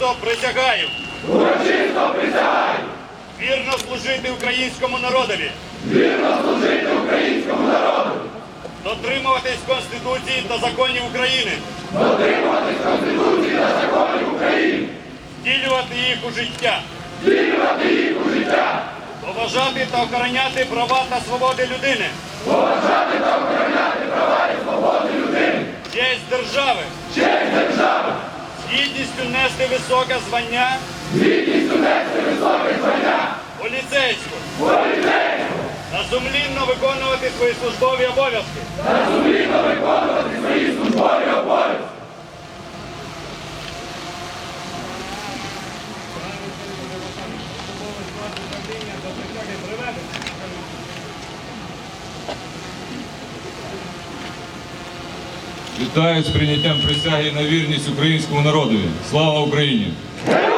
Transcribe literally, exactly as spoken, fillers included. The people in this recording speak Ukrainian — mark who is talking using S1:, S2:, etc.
S1: Урочисто присягаю.
S2: Урочисто присягаю.
S1: Вірно служити українському народові.
S2: Вірно служити українському народу.
S1: Дотримуватись Конституції та законів України.
S2: Дотримуватись Конституції та законів України.
S1: Втілювати їх у життя.
S2: Втілювати їх у життя.
S1: Поважати та охороняти права та свободи людини.
S2: Поважати та охороняти права і свободи людини.
S1: Честь держави.
S2: Честь держави.
S1: З гідністю нести високе звання.
S2: З гідністю нести високе звання.
S1: Поліцейську.
S2: Поліцейську.
S1: Та сумлінно виконувати свої службові обов'язки.
S2: Та сумлінно виконувати свої службові обов'язки.
S3: Вітаю з прийняттям присяги на вірність українському народові. Слава Україні!
S2: Героям